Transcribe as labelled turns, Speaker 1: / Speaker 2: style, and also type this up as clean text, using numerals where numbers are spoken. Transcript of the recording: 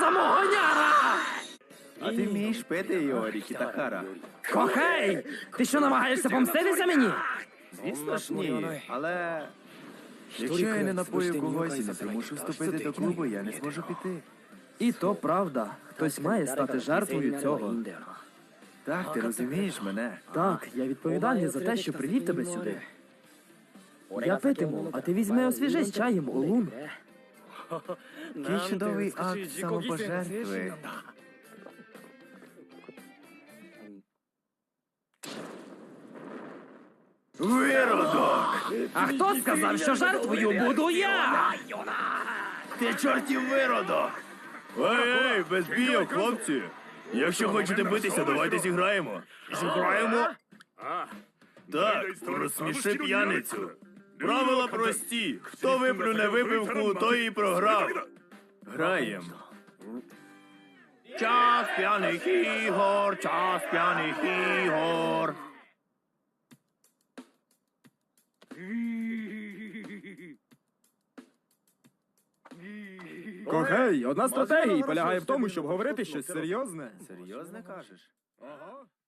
Speaker 1: Самогоняра!
Speaker 2: А ти вмієш пити, Іорі Кітахара?
Speaker 1: Кохей! Ти що, намагаєшся помститися мені?
Speaker 2: Звісно ж ні, але... Якщо я не напою когось і не примушу вступити до клубу, я не зможу піти.
Speaker 1: І то правда. Хтось має стати жертвою цього.
Speaker 2: Так, ти розумієш мене?
Speaker 1: Так, я відповідальний за те, що привів тебе сюди. Я питиму, а ти візьми освіжись чаєм, Олун.
Speaker 2: Який чудовий акт самопожертви. Виродок!
Speaker 1: А хто сказав, що жертвою буду я?
Speaker 2: Ти чортів виродок! Ей, без бійок, хлопці! Якщо хочете битися, давайте зіграємо. Зіграємо? Так, розсміши п'яницю. Правила прості. Хто виплюне випивку, той і програв. Граєм. Час п'яних ігор, час п'яних ігор.
Speaker 3: Кохей, одна з стратегій полягає в тому, щоб говорити щось серйозне.
Speaker 2: Серйозно кажеш?
Speaker 3: Ага.